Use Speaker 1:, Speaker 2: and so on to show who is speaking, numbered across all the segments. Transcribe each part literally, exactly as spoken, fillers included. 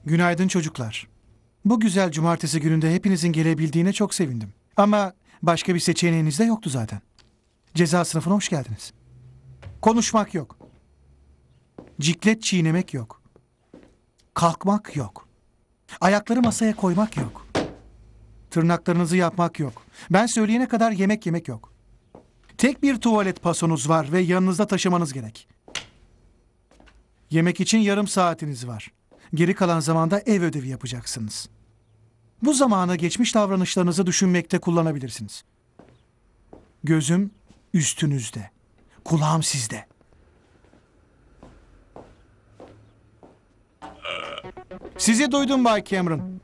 Speaker 1: Günaydın çocuklar. Bu güzel cumartesi gününde hepinizin gelebildiğine çok sevindim. Ama başka bir seçeneğiniz de yoktu zaten. Ceza sınıfına hoş geldiniz. Konuşmak yok. Ciklet çiğnemek yok. Kalkmak yok. Ayakları masaya koymak yok. Tırnaklarınızı yapmak yok. Ben söyleyene kadar yemek yemek yok. Tek bir tuvalet pasonuz var ve yanınızda taşımanız gerek. Yemek için yarım saatiniz var. Geri kalan zamanda ev ödevi yapacaksınız. Bu zamanı geçmiş davranışlarınızı düşünmekte kullanabilirsiniz. Gözüm üstünüzde. Kulağım sizde. Sizi duydum Bay Cameron.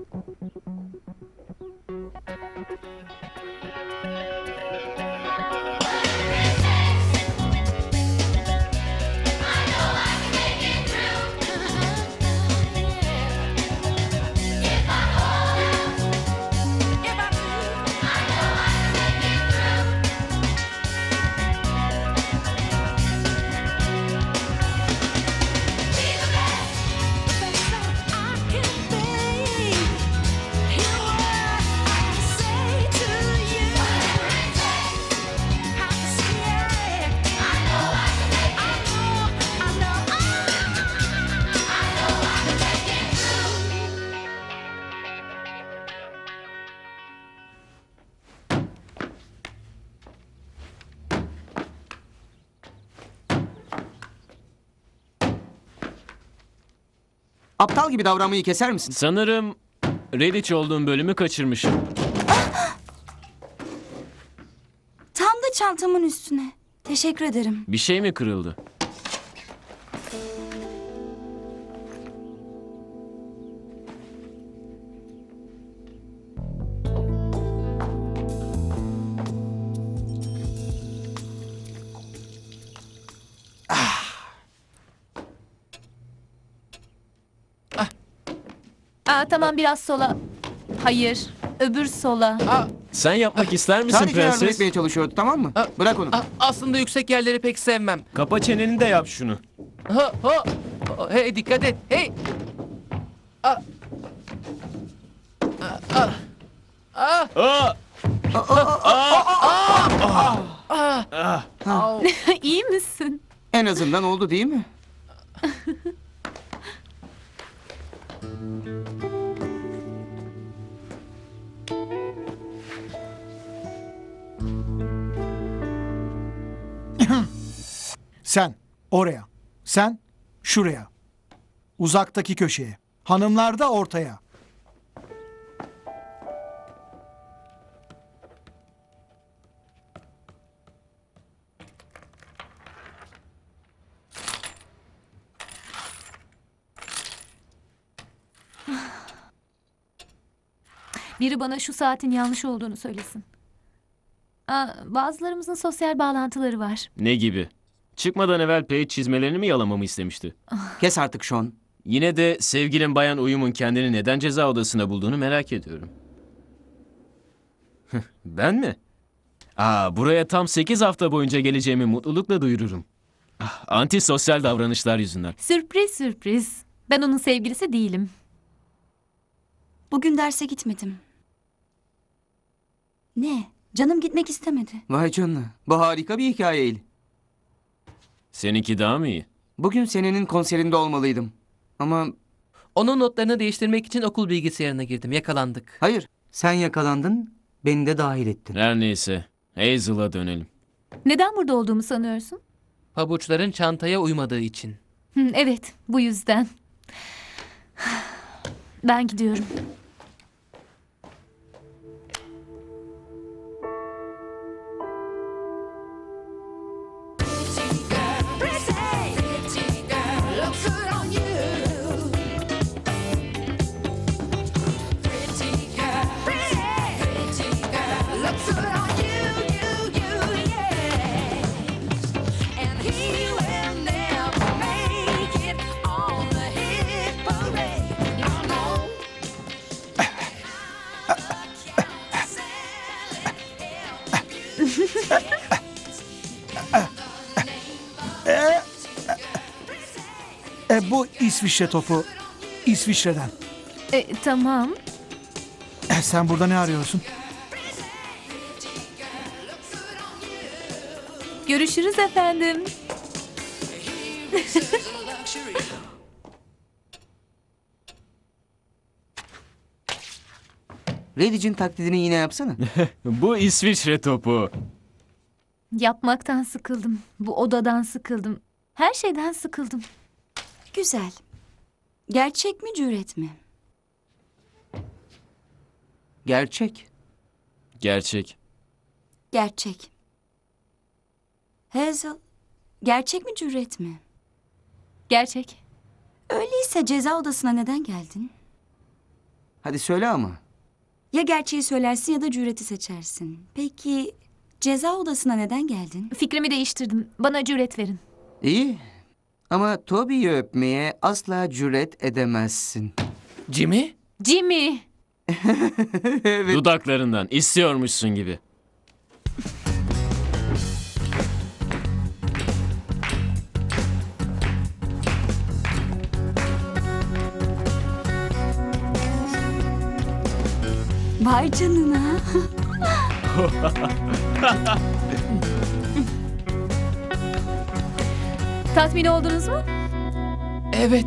Speaker 2: Aptal gibi davranmayı keser misin?
Speaker 3: Sanırım Redditch olduğum bölümü kaçırmışım.
Speaker 4: Tam da çantamın üstüne. Teşekkür ederim.
Speaker 3: Bir şey mi kırıldı?
Speaker 5: Aa, tamam biraz sola. Hayır, öbür sola.
Speaker 3: Sen yapmak ister misin
Speaker 2: Sadece yardım
Speaker 3: prenses?
Speaker 2: etmeye çalışıyordu, tamam mı?
Speaker 6: Aa,
Speaker 2: Bırak onu.
Speaker 6: A- aslında yüksek yerleri pek sevmem.
Speaker 3: Kapa çeneni de yap şunu.
Speaker 6: Ha, ha. Ha, Hey dikkat et. Hey. Aa. Aa, aa.
Speaker 3: Aa!
Speaker 6: Au.
Speaker 5: İyi misin?
Speaker 2: En azından oldu değil mi?
Speaker 1: Sen oraya. Sen şuraya. Uzaktaki köşeye. Hanımlar da ortaya.
Speaker 5: Biri bana şu saatin yanlış olduğunu söylesin. Aa, bazılarımızın sosyal bağlantıları var.
Speaker 3: Ne gibi? Çıkmadan evvel Paige çizmelerini mi yalamamı istemişti?
Speaker 2: Kes artık Sean.
Speaker 3: Yine de sevgilim Bayan Uyum'un kendini neden ceza odasına bulduğunu merak ediyorum. Ben mi? Aa, buraya tam sekiz hafta boyunca geleceğimi mutlulukla duyururum. Ah, antisosyal davranışlar yüzünden.
Speaker 5: Sürpriz sürpriz. Ben onun sevgilisi değilim.
Speaker 4: Bugün derse gitmedim. Ne? Canım gitmek istemedi.
Speaker 2: Vay canına. Bu harika bir hikayeydi.
Speaker 3: Seninki daha mı iyi?
Speaker 2: Bugün senenin konserinde olmalıydım. Ama
Speaker 6: Onun notlarını değiştirmek için okul bilgisayarına girdim. Yakalandık.
Speaker 2: hayır. Sen yakalandın, beni de dahil ettin.
Speaker 3: Her neyse. Hazel'a dönelim.
Speaker 5: Neden burada olduğumu sanıyorsun?
Speaker 6: Pabuçların çantaya uymadığı için.
Speaker 5: Hı, evet, bu yüzden. Ben gidiyorum.
Speaker 1: E, bu İsviçre topu İsviçre'den.
Speaker 5: E, tamam.
Speaker 1: Eh, Sen burada ne arıyorsun?
Speaker 5: Görüşürüz efendim.
Speaker 2: Lady'cin taklidini yine yapsana.
Speaker 3: Bu İsviçre topu.
Speaker 5: Yapmaktan sıkıldım. Bu odadan sıkıldım. Her şeyden sıkıldım.
Speaker 4: Güzel. Gerçek mi cüret mi?
Speaker 2: Gerçek.
Speaker 3: Gerçek.
Speaker 4: Gerçek. Hazel, gerçek mi cüret mi?
Speaker 5: Gerçek.
Speaker 4: Öyleyse ceza odasına neden geldin?
Speaker 2: Hadi söyle ama.
Speaker 4: Ya gerçeği söylersin ya da cüreti seçersin. Peki ceza odasına neden geldin?
Speaker 5: Fikrimi değiştirdim. Bana cüret verin.
Speaker 2: İyi. Ama Toby'yi öpmeye asla cüret edemezsin.
Speaker 6: Jimmy?
Speaker 5: Jimmy.
Speaker 3: Dudaklarından istiyormuşsun gibi.
Speaker 4: Vay canına.
Speaker 5: Tatmin oldunuz mu?
Speaker 6: Evet.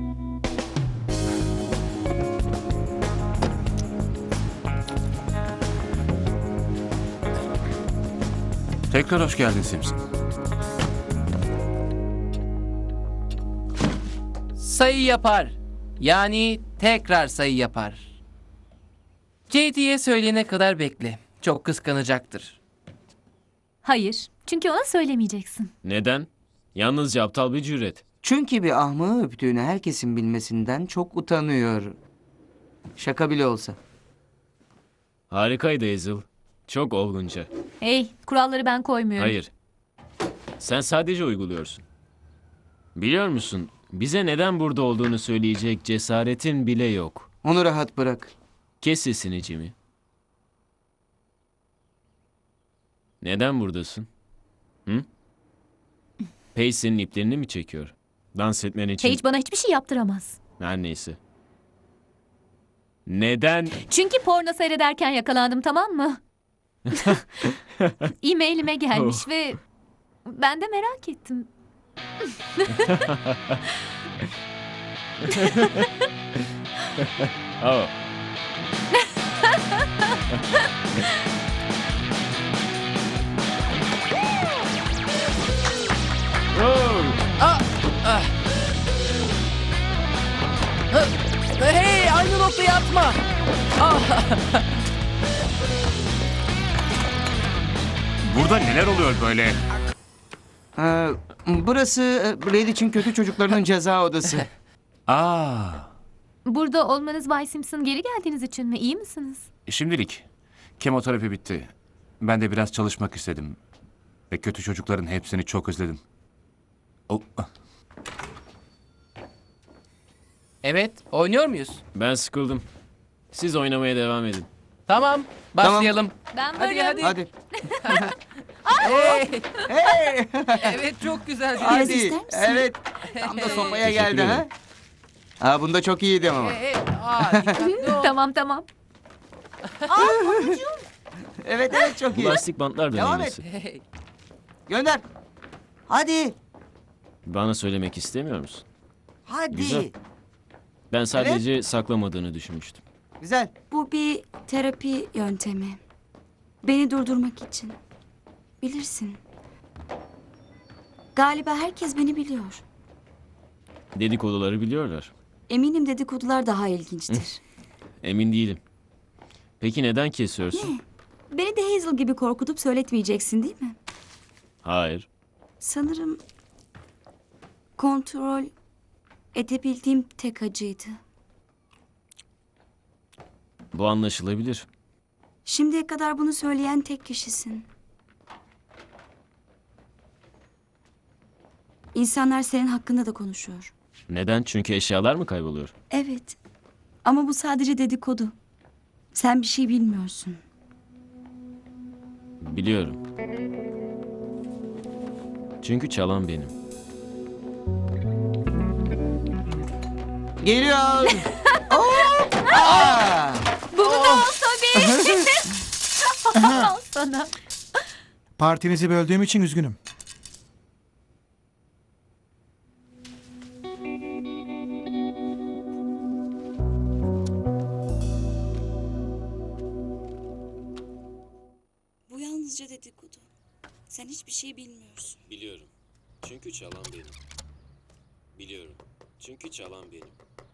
Speaker 7: Tekrar hoş geldin Simpson.
Speaker 6: Sayı yapar. Yani tekrar sayı yapar. J D'ye söyleyene kadar bekle. Çok kıskanacaktır.
Speaker 5: Hayır. Çünkü ona söylemeyeceksin.
Speaker 3: Neden? Yalnızca aptal bir cüret.
Speaker 2: Çünkü bir ahmağı öptüğünü herkesin bilmesinden çok utanıyor. Şaka bile olsa.
Speaker 3: Harikaydı Hazel. Çok olgunca.
Speaker 5: Hey, kuralları ben koymuyorum.
Speaker 3: Hayır. Sen sadece uyguluyorsun. Biliyor musun? Bize neden burada olduğunu söyleyecek cesaretin bile yok.
Speaker 2: Onu rahat bırak.
Speaker 3: Kes sesini Jimmy. Neden buradasın? Hı? Paige senin iplerini mi çekiyor? Dans etmen için...
Speaker 5: Paige bana hiçbir şey yaptıramaz.
Speaker 3: Her neyse. Neden?
Speaker 5: Çünkü porno seyrederken yakalandım, tamam mı? E-mailime gelmiş
Speaker 3: Oh.
Speaker 5: ve ben de merak ettim.
Speaker 3: Oh. Oh.
Speaker 6: Hey, aynı noktaya atma.
Speaker 7: Burada neler oluyor böyle?
Speaker 2: Ee, burası e, Lady'cin kötü çocuklarının ceza odası.
Speaker 7: Aa,
Speaker 5: Burada olmanız Bay Simpson geri geldiğiniz için mi? İyi misiniz?
Speaker 7: şimdilik kemoterapi bitti. Ben de biraz çalışmak istedim. Ve kötü çocukların hepsini çok özledim. Oh, ah.
Speaker 6: Evet, oynuyor muyuz?
Speaker 3: Ben sıkıldım. Siz oynamaya devam edin.
Speaker 6: Tamam, başlayalım.
Speaker 5: Ben
Speaker 6: Hadi,
Speaker 5: varım.
Speaker 6: hadi.
Speaker 2: Hadi.
Speaker 6: Hey,
Speaker 2: Hey!
Speaker 6: evet çok güzel.
Speaker 4: Biraz
Speaker 2: Hadi.
Speaker 4: ister misin?
Speaker 2: Evet. Tam da sopaya
Speaker 3: Teşekkür
Speaker 2: geldi ha.
Speaker 3: ederim.
Speaker 2: Ha bunda çok iyiydi ama.
Speaker 6: Hey, hey, aa, dikkatli ol.
Speaker 5: Tamam tamam.
Speaker 2: Evet evet çok
Speaker 3: Bu
Speaker 2: iyi.
Speaker 3: lastik bantlar da
Speaker 2: Devam
Speaker 3: neyse.
Speaker 6: Hey,
Speaker 2: Gönder. Hadi.
Speaker 3: Bana söylemek istemiyor musun?
Speaker 2: Hadi.
Speaker 3: Güzel. Ben sadece saklamadığını düşünmüştüm.
Speaker 2: Güzel.
Speaker 4: Bu bir terapi yöntemi. Beni durdurmak için. Bilirsin. Galiba herkes beni biliyor.
Speaker 3: Dedikoduları biliyorlar.
Speaker 4: Eminim dedikodular daha ilginçtir.
Speaker 3: Emin değilim. Peki neden kesiyorsun?
Speaker 4: Beni de Hazel gibi korkutup söyletmeyeceksin değil mi?
Speaker 3: Hayır.
Speaker 4: Sanırım kontrol edebildiğim tek acıydı.
Speaker 3: Bu anlaşılabilir.
Speaker 4: Şimdiye kadar bunu söyleyen tek kişisin. İnsanlar senin hakkında da konuşuyor.
Speaker 3: Neden? Çünkü eşyalar mı kayboluyor?
Speaker 4: Evet. Ama bu sadece dedikodu. Sen bir şey bilmiyorsun.
Speaker 3: Biliyorum. Çünkü çalan benim.
Speaker 2: Geliyor. Oo!
Speaker 5: Bunu da al tabii. Al sana.
Speaker 1: Partinizi böldüğüm için üzgünüm.
Speaker 4: Bu yalnızca dedikodu. Sen hiçbir şey bilmiyorsun.
Speaker 3: Biliyorum. Çünkü çalan benim. Biliyorum. Çünkü çalan benim.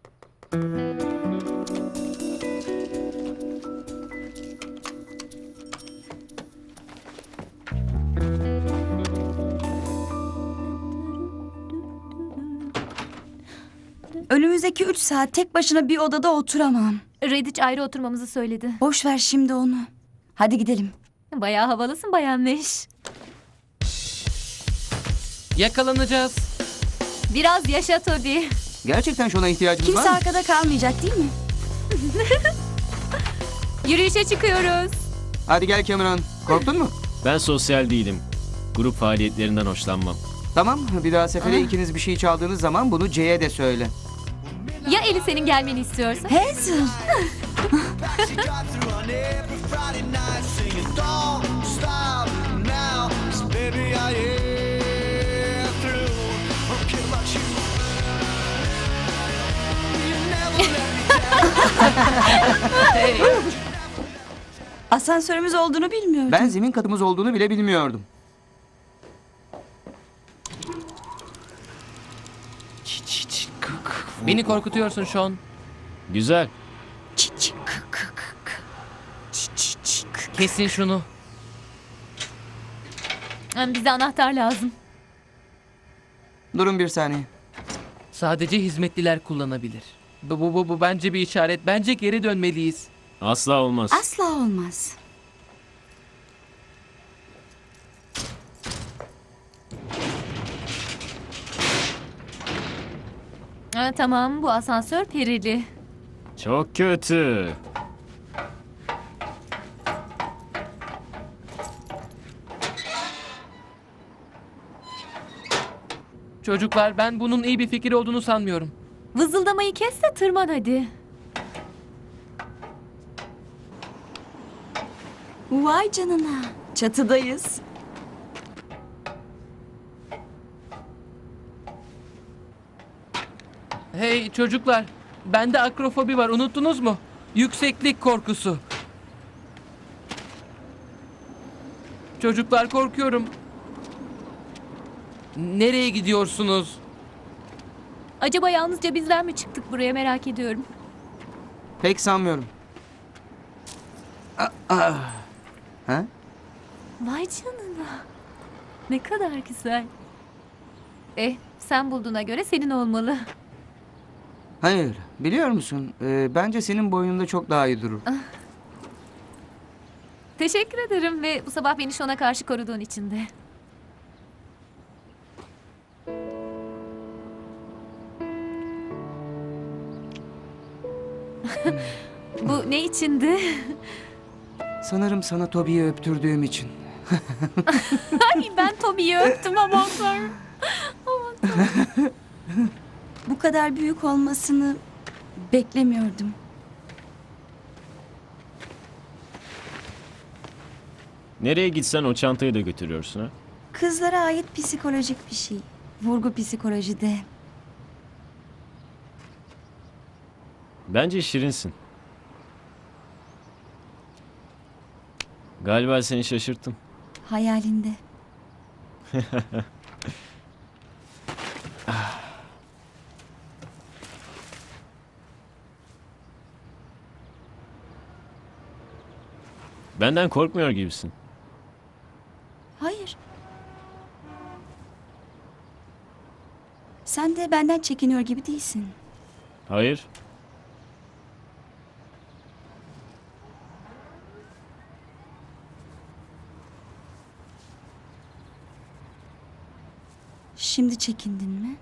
Speaker 4: Önümüzdeki üç saat tek başına bir odada oturamam.
Speaker 5: Rediç ayrı oturmamızı söyledi.
Speaker 4: Boş ver şimdi onu. Hadi gidelim.
Speaker 5: Bayağı havalısın Bayan Neş.
Speaker 6: Yakalanacağız.
Speaker 5: Biraz yaşa Toby.
Speaker 2: Gerçekten şuna ihtiyacımız
Speaker 4: Kimse
Speaker 2: var mı?
Speaker 4: arkada kalmayacak değil mi?
Speaker 5: Yürüyüşe çıkıyoruz.
Speaker 2: Hadi gel Cameron. Korktun mu?
Speaker 3: Ben sosyal değilim. Grup faaliyetlerinden hoşlanmam.
Speaker 2: Tamam, bir daha sefere ikiniz bir şey çaldığınız zaman bunu C'ye de söyle.
Speaker 5: Ya Eli senin gelmeni istiyorsa?
Speaker 4: Hazel. Asansörümüz olduğunu bilmiyordum.
Speaker 2: Ben zemin katımız olduğunu bile bilmiyordum.
Speaker 6: Beni korkutuyorsun Sean.
Speaker 3: Güzel.
Speaker 4: Çi- çi- kı- kı- kı- kı. Çi- çi- çi- kı-
Speaker 6: Kesin şunu.
Speaker 5: Yani bize anahtar lazım.
Speaker 2: Durun bir saniye.
Speaker 6: Sadece hizmetliler kullanabilir. Bu, bu, bu, bu bence bir işaret. Bence geri dönmeliyiz.
Speaker 3: Asla olmaz.
Speaker 4: Asla olmaz.
Speaker 5: Ha, tamam bu asansör perili.
Speaker 3: Çok kötü.
Speaker 6: Çocuklar ben bunun iyi bir fikir olduğunu sanmıyorum.
Speaker 5: Vızıldamayı kes de tırman hadi.
Speaker 4: Vay canına. Çatıdayız.
Speaker 6: Hey çocuklar, bende akrofobi var unuttunuz mu? Yükseklik korkusu. Çocuklar korkuyorum. Nereye gidiyorsunuz?
Speaker 5: Acaba yalnızca bizler mi çıktık buraya merak ediyorum.
Speaker 2: Pek sanmıyorum. Aa, aa. Ha?
Speaker 5: Vay canına. Ne kadar güzel. Eh sen bulduğuna göre senin olmalı.
Speaker 2: Hayır, biliyor musun? Ee, bence senin boynunda çok daha iyi durur.
Speaker 5: Teşekkür ederim ve bu sabah beni Şon'a karşı koruduğun için de. Bu ne içindi?
Speaker 2: Sanırım sana Toby'yi öptürdüğüm için.
Speaker 5: Ay ben Tommy'yi öptüm aman tanrım.
Speaker 4: Bu kadar büyük olmasını beklemiyordum.
Speaker 3: Nereye gitsen o çantayı da götürüyorsun ha?
Speaker 4: Kızlara ait psikolojik bir şey. Vurgu psikolojide.
Speaker 3: Bence şirinsin. Galiba seni şaşırttım.
Speaker 4: Hayalinde.
Speaker 3: Benden korkmuyor gibisin.
Speaker 4: Hayır. Sen de benden çekiniyor gibi değilsin.
Speaker 3: Hayır.
Speaker 4: Şimdi çekindin mi?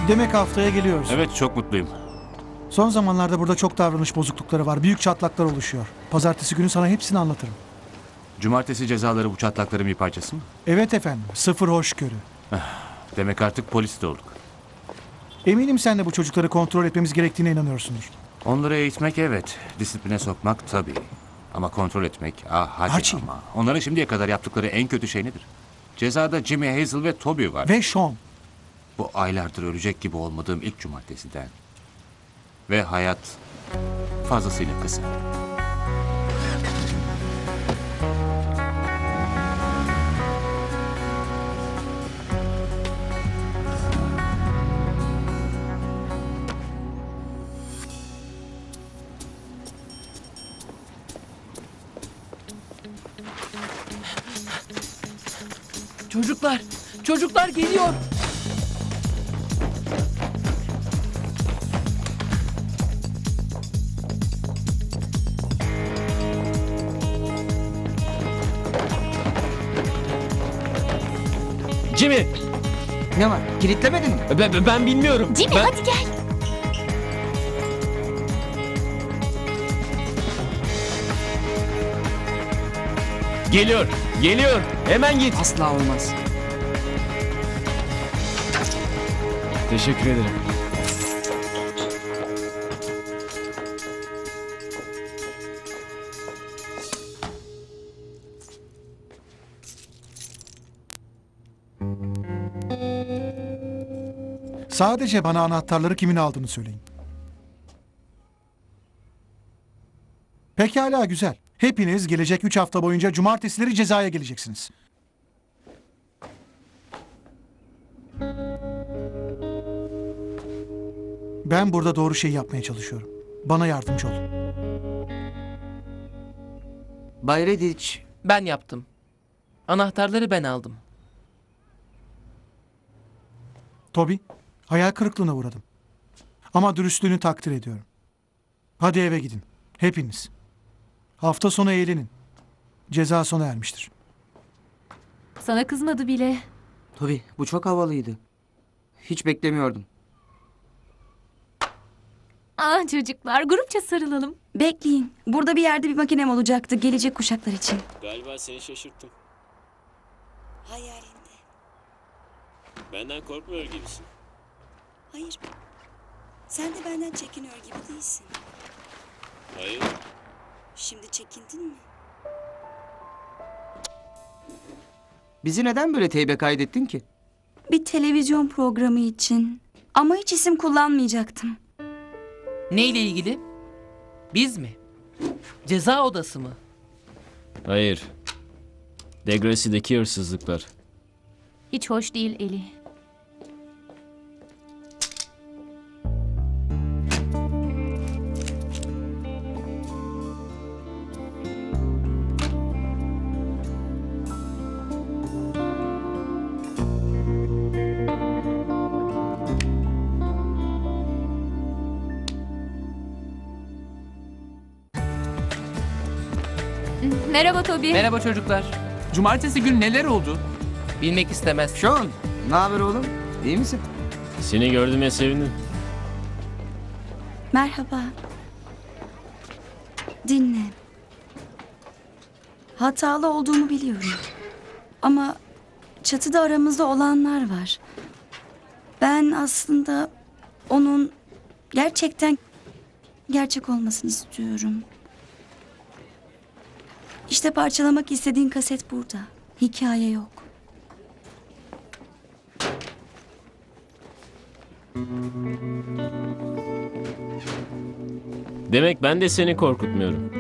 Speaker 1: Demek haftaya geliyoruz.
Speaker 7: Evet, çok mutluyum.
Speaker 1: Son zamanlarda burada çok davranış bozuklukları var. Büyük çatlaklar oluşuyor. Pazartesi günü sana hepsini anlatırım.
Speaker 7: Cumartesi cezaları bu çatlakların bir parçası mı?
Speaker 1: Evet efendim. Sıfır hoşgörü.
Speaker 7: Demek artık polis de olduk.
Speaker 1: Eminim sen de bu çocukları kontrol etmemiz gerektiğine inanıyorsundur.
Speaker 7: Onları eğitmek evet, disipline sokmak tabii. Ama kontrol etmek, ah hadi
Speaker 1: Archie.
Speaker 7: ama. Onların şimdiye kadar yaptıkları en kötü şey nedir? Cezada Jimmy, Hazel ve Toby var.
Speaker 1: Ve Sean.
Speaker 7: Bu aylardır ölecek gibi olmadığım ilk cumartesiden. Ve hayat fazlasıyla kısa.
Speaker 6: Çocuklar, çocuklar geliyor.
Speaker 3: Jimmy,
Speaker 2: Ne var? Kilitlemedin mi?
Speaker 3: ben, ben bilmiyorum.
Speaker 5: Jimmy
Speaker 3: Ben-
Speaker 5: hadi gel.
Speaker 3: Geliyor, geliyor. Hemen git.
Speaker 2: Asla olmaz.
Speaker 3: Teşekkür ederim.
Speaker 1: Sadece bana anahtarları kimin aldığını söyleyin. Pekala güzel. Hepiniz gelecek üç hafta boyunca cumartesileri cezaya geleceksiniz. Ben burada doğru şeyi yapmaya çalışıyorum. Bana yardımcı olun.
Speaker 2: Bay Rediç,
Speaker 6: Ben yaptım. Anahtarları ben aldım.
Speaker 1: Toby, hayal kırıklığına uğradım. Ama dürüstlüğünü takdir ediyorum. Hadi eve gidin. Hepiniz. Hafta sonu eğlenin. Ceza sona ermiştir.
Speaker 5: Sana kızmadı bile.
Speaker 2: Toby bu çok havalıydı. Hiç beklemiyordum.
Speaker 5: Ah çocuklar grupça sarılalım.
Speaker 4: Bekleyin. Burada bir yerde bir makinem olacaktı gelecek kuşaklar için.
Speaker 3: Galiba seni şaşırttım.
Speaker 4: Hayalinde.
Speaker 3: Benden korkmuyor gibisin.
Speaker 4: Hayır. Sen de benden çekiniyor gibi değilsin.
Speaker 3: Hayır.
Speaker 4: Şimdi çekindin mi?
Speaker 2: Bizi neden böyle teybe kaydettin ki?
Speaker 4: Bir televizyon programı için. Ama hiç isim kullanmayacaktım.
Speaker 6: Neyle ilgili? Biz mi? Ceza odası mı?
Speaker 3: Hayır. Degrassi'deki hırsızlıklar.
Speaker 5: Hiç hoş değil Eli. Merhaba Toby.
Speaker 6: Merhaba çocuklar.
Speaker 8: Cumartesi günü neler oldu?
Speaker 6: Bilmek istemez.
Speaker 2: Sean, ne haber oğlum? İyi misin?
Speaker 3: Seni gördüğüme sevindim.
Speaker 4: Merhaba. Dinle. Hatalı olduğumu biliyorum. Ama çatıda aramızda olanlar var. Ben aslında onun gerçekten gerçek olmasını istiyorum. İşte parçalamak istediğin kaset burada. Hikaye yok.
Speaker 3: Demek ben de seni korkutmuyorum.